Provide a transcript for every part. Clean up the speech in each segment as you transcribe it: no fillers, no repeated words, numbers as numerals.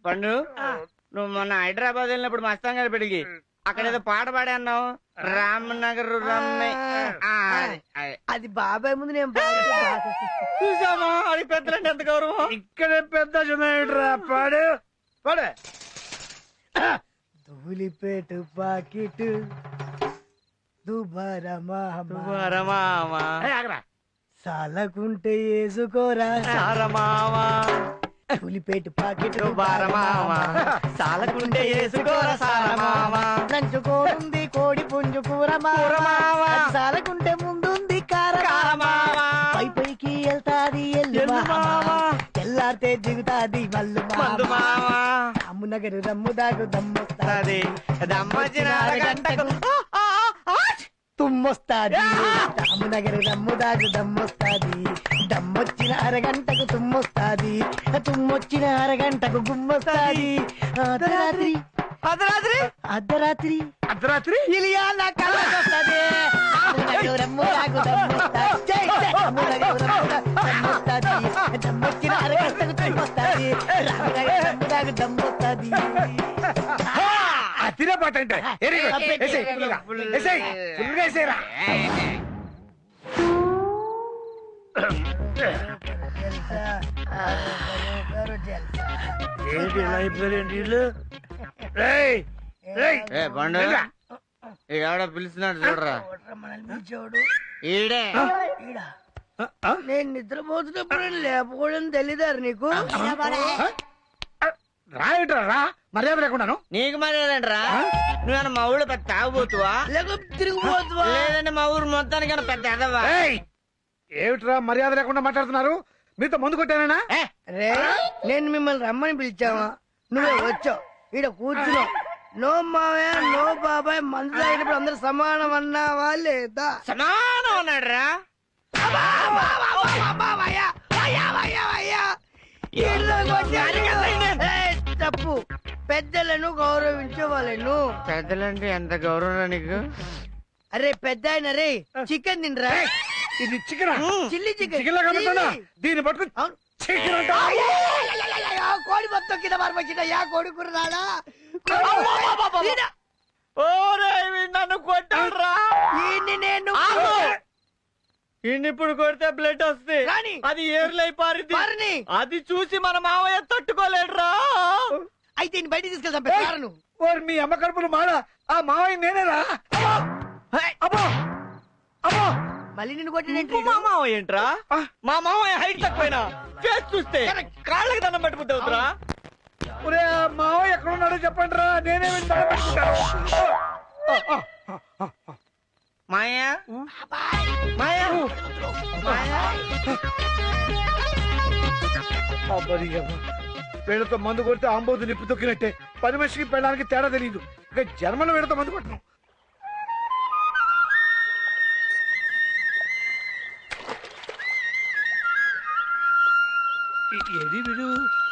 పండు నువ్వు మొన్న హైదరాబాద్ వెళ్ళినప్పుడు మస్తాన్ గారి పెడిగి అక్కడ ఏదో పాట పాడే అన్నావు. రామనగర్ అది బాబాయ్ ముందు నేను చూసామా? అది పెద్దలంటే ఎంత గౌరవం. ఇక్కడ పెద్ద చిన్న పాడు పాడు. ధూళిపేట పాకెట్ దుబారమా సాలకుంటే వేసుకోరా సారమావా ధూళిపేట పాకెట్ దుబారమావా సాలకుంటే వేసుకోరా సారమావా నంచుకోనుంది కోడి పుంజు కూరమావా సాలకుంటే ముందుంది కారమావా పై పైకి వెళ్తాది ఎల్లు మావా తెల్లారితే దిగుతాది మల్లు మావా అమ్మునగరు రమ్ము దాగు దమ్మొస్తాది దమ్మొచ్చిన అరగంటకు తుమ్మొస్తాది అమ్మునగరు రమ్ము దాగు దమ్మొస్తాది దమ్మొచ్చిన అరగంటకు తుమ్మొస్తాది తుమ్మొచ్చిన అరగంటకు గుమ్మొస్తాది అర్ధరాత్రి అర్ధరాత్రి అర్ధరాత్రి అర్ధరాత్రి ఇలియా నా కళ్ళకొస్తది అమ్మునగరు రమ్ము దాగు దమ్మొస్తాది అమ్మునగరు రమ్ము దాగు దమ్మొస్తాది దమ్మొచ్చిన అరగంటకు తుమ్మొస్తాది రామనగరు రమ్ము దాగు దమ్మొస్తాది అతిరే పాట అంటే ఫుల్గా ఏంటి ఇలా అయిపోయారేంటి వీళ్ళు? రేయ్, రేయ్, పండు ఎవడ పిలుస్తున్నాడు చూడరా. ఈడే నేను నిద్రపోతున్నప్పుడు లేకపోవడం తెలీదారు నీకు రాయటరా రా మర్యాద లేకుండాను. నీకు మర్యాదంటరా? నువ్వేనా మా ఊళ్ళో పెద్ద తాగుబోతువా లేకపోతే తిరిగిపోతువా లేదంటే మా ఊరు మొత్తానికి పెద్ద ఎదవా? ఏయ్, ఏమిట్రా మర్యాద లేకుండా మాట్లాడుతున్నారు? మీతో ముందు కొట్టానా? రే నేను మిమ్మల్ని రమ్మని పిలిచావా? నువ్వే వచ్చావు ఈడ కూర్చున్నావు. నో మావయ్య నో బాబాయ్ మందు తాగినప్పుడు అందరు సమానం అన్నావా లేదా? సమానం అన్నాడు రా. తప్పు. పెద్దలను గౌరవించే వాళ్ళను. పెద్దలంటే ఎంత గౌరవం నీకు? అరే పెద్ద ఆయన రే చికెన్ తినరా? ఇది చికెన్ చిల్లీ చికెన్ చికెన్ లాగా కనబడుతుందా? దీన్ని పట్టుకుని చికెన్ అంటావా? కోడి మొత్తం కింద మార్పచ్చిన కోడి కూర రాడా? నన్ను కొట్టాడురా. నేను ఇప్పుడు కొడితే బ్లడ్ వస్తుంది, రాని. అది ఏర్లై పారింది. అది చూసి మన మావయ్య తట్టుకోలేడురా. అయితే బయట తీసుకెళ్తాను. ఓరి మీ అమ్మ కడుపులు మాడ, ఆ మావయ్య నేనేరా? అబ్బో అబ్బో మళ్ళీ నిన్ను కొట్టినంటే మా మావయ్య ఏంట్రా? మా మావయ్య హైట్ తక్కువైనా ఫేస్ చూస్తే కాళ్ళకి దండం పెట్టుకుంటావురా. ఒరే ఆ మావయ్య ఎక్కడ ఉన్నాడో చెప్పండి రా, నేనే మాయా మాయా వీళ్ళతో మందు కొడితే ఆంబోతు నిప్పు తొక్కినట్టే. పని మనిషికి పెళ్ళడానికి తేడా తెలియదు. ఇక జన్మలో వీళ్ళతో మందు కొట్టను. ఏది వీడు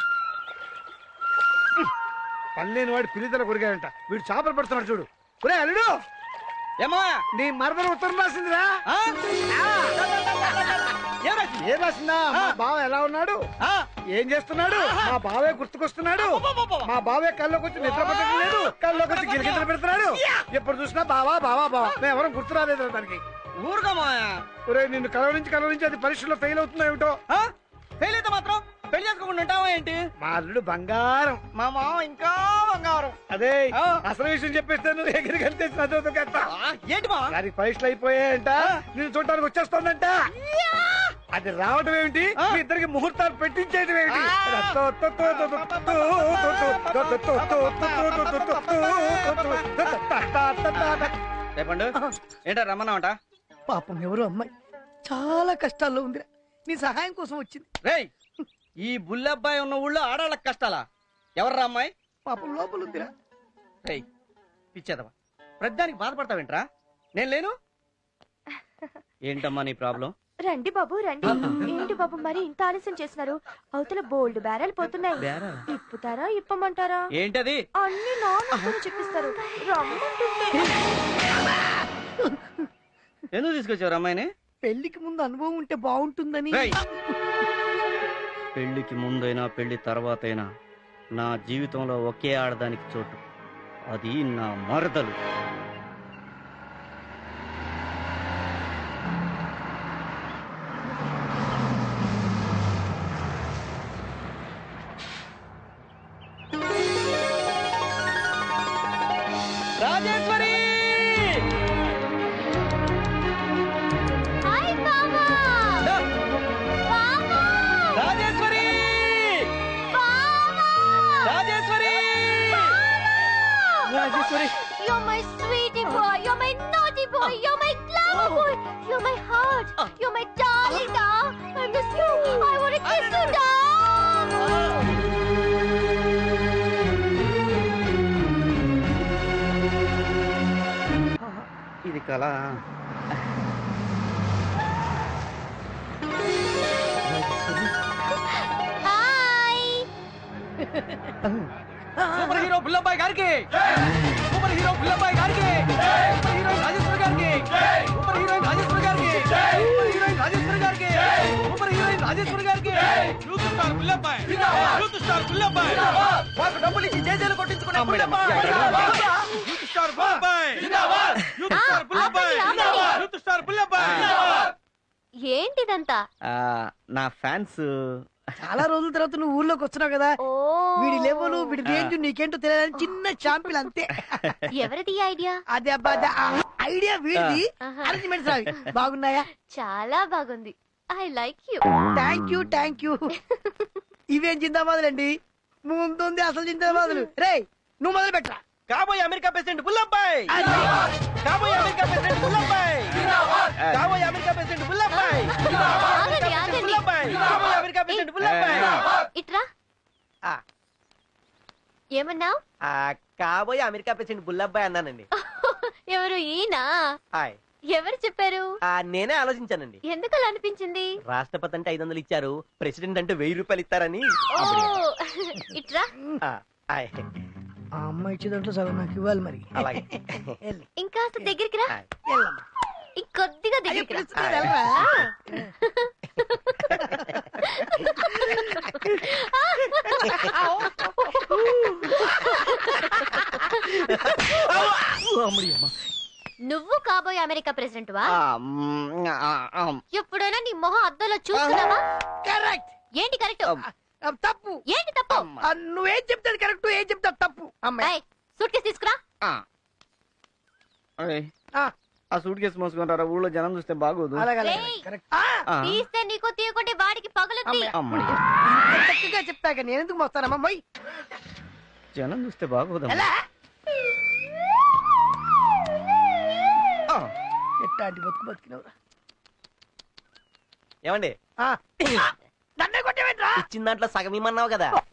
పనిలేని వాడు పిల్లితల కొరిగాడంట. వీడు చేపలు పడుతున్నాడు చూడు. ఒరే అల్లుడు, ఏమో నీ మరదలు ఉత్తరం రాసిందిరా. ఏం రాసిందా? మా బావ ఎలా ఉన్నాడు, ఏం చేస్తున్నాడు, మా బావే గుర్తుకొస్తున్నాడు, మా బావే కల్లోకి వచ్చి నిద్ర పట్టడం లేదు, కల్లోకి వచ్చి గిరిగిద్దలు పెడుతున్నాడు. ఎప్పుడు చూసినా బావా బావా బావా, మేము ఎవరం గుర్తు రాలేదు దానికి. ఊరుగా మాయా. ఒరే నిన్ను కలవరించి అది పరీక్షలో ఫెయిల్ అవుతుందో ఏమిటో. ఫెయిల్ అయితే మాత్రం పెళ్లి చేసుకోకుండా ఉంటావా ఏంటి? మా అల్లుడు బంగారం, మా మామ ఇంకా బంగారం. అదే అసలు విషయం చెప్పేస్తే నువ్వు ఎగిరికి ఏంటి మా దానికి పరీక్షలు అయిపోయాయంట, నేను చూడటానికి వచ్చేస్తోందంట. అది రావటం ఏమిటి, మీ ఇద్దరికి ముహూర్తాలు పెట్టించేయటం ఏమిటి? చెప్పండు ఏంటో రమ్మన్నావంట? పాపం ఎవరో అమ్మాయి చాలా కష్టాల్లో ఉంది. నీ సహాయం కోసం వచ్చింది. రేయ్, ఈ బుల్లబ్బాయి ఉన్న ఊళ్ళో ఆడాళ్ళకి కష్టాలా? ఎవర్రా అమ్మాయి? పాపం లోపల ఉందిరా. రేయ్ పిచ్చేదవా, ప్రతిదానికి బాధపడతావేంట్రా? నేను లేను. ఏంటమ్మా నీ ప్రాబ్లం? రండి బాబు రండి. ఏంటి బాబు మరి ఇంత ఆలస్యం చేస్తున్నారు? అవతల బోల్డ్ బేరాలు పోతున్నాయి. ఇప్పుతారా ఇప్పమంటారా? ఏంటది? అన్ని నాన్న చెప్పిస్తారు. రమ్మంటుంటే ఎందుకు తీసుకొచ్చావు అమ్మాయిని? పెళ్లికి ముందు అనుభవం ఉంటే బాగుంటుందని. పెళ్లికి ముందైనా పెళ్లి తర్వాతైనా నా జీవితంలో ఒకే ఆడదానికి చోటు, అది నా మరదలు. రాజేశ్వరి! హాయ్ బావా బావా రాజేశ్వరి! బావా Rajeshwari! Rajeshwari! You're my sweetie boy, you're my naughty boy, you're my glamour boy, you're my heart, you're my darling dog. I miss you, I want to kiss you dog. ఇది కళ. Hi. సూపర్ హీరో బుల్లబ్బాయ్ గారికి super hero Bullabbai గారికి super heroine Rajeshwari గారికి super heroine Rajeshwari గారికి super heroine Rajeshwari గారికి super heroine Rajeshwari గారికి youth star Bullabbai youth star Bullabbai మాకు డబ్బులు ఇచ్చి జేజేలు కొట్టించుకునే Bullabbai youth star Bullabbai youth star Bullabbai youth star Bullabbai ఏంటిదంతా? నా ఫ్యాన్స్. చాలా రోజుల తర్వాత నువ్వు ఊర్లోకి వస్తున్నావు కదా, ఓ వీడి లెవెల్ వీడి రేంజ్ నీకేంటో తెలియదని చిన్న షాంపిల్ అంతే. ఎవరిది ఈ ఐడియా? అదే అబ్బా ఐడియా వీడిది. ఆహా. అరేంజ్మెంట్స్ అవి బాగున్నాయా? చాలా బాగుంది. I like you. Thank you. ఇవేం జిందాబాదులండి, ముందుంది అసలు జిందాబాదులు. రే నువ్వు మొదలు పెట్టరా. కాబోయే అమెరికా ప్రెసిడెంట్ బుల్లబ్బాయ్ కాబోయే అమెరికా ప్రెసిడెంట్ బుల్లబ్బాయ్ కాబోయే అమెరికా ప్రెసిడెంట్ బుల్లబ్బాయ్ ఆగండి, ఆగండి. బుల్లబ్బాయ్ కాబోయే అమెరికా ప్రెసిడెంట్ బుల్లబ్బాయ్ ఇట్రా. ఆ. ఏమన్నావు? కాబోయే అమెరికా ప్రెసిడెంట్ బుల్లబ్బాయ్ అన్నానండి. ఎవరు ఈయన? హాయ్ ఎవరు చెప్పారు? నేనే ఆలోచించానండి. ఎందుకు అలా అనిపించింది? రాష్ట్రపతి అంటే 500 ఇచ్చారు, ప్రెసిడెంట్ అంటే 1000 రూపాయలు ఇస్తారని. ఓ ఇట్రా. హాయ్ ఆ అమ్మాయి ఇచ్చే దాంట్లో సగం నాకు ఇవ్వాలి మరి. అలాగే వెళ్ళు. ఇంకాస్త దగ్గరికి రా. హాయ్. వెళ్ళమ్మా. ఇంకొద్దిగా అయ్యో, దగ్గరికి రా. పిలుస్తుంది, వెళ్ళరా. నువ్వు కాబోయే అమెరికా ప్రెసిడెంట్ వా? ఆ, మ్, ఆ, ఆ, ఎప్పుడైనా నీ మొహం అద్దంలో చూసుకున్నావా? కరెక్ట్. ఏంటి కరెక్ట్? తప్పు. ఏంటి తప్పు? నువ్వేం చెప్తాది కరెక్ట్, ఏం చెప్తావు తప్పు. అమ్మాయి ఆ. అరే, ఆ. ఆ సూట్ కేసు మోసుకుంటారా, ఊళ్ళో జనం చూస్తే బాగోదు. అలాగే రేయ్. కరెక్ట్. ఆ, తీస్తే నీకు తీయకుంటే వాడికి పగులుద్ది. అమ్మడి, చక్కగా చెప్తాక నేను ఎందుకు మోస్తానమ్మా మొయ్. జనం చూస్తే బాగోదు. ఎలా ఆ, ఎట్టాంటి బతుకు బతికినవురా. ఏమండి నన్నే కొట్టేవేంట్రా? ఇచ్చిన దాంట్లో సగం ఇమ్మన్నావు కదా.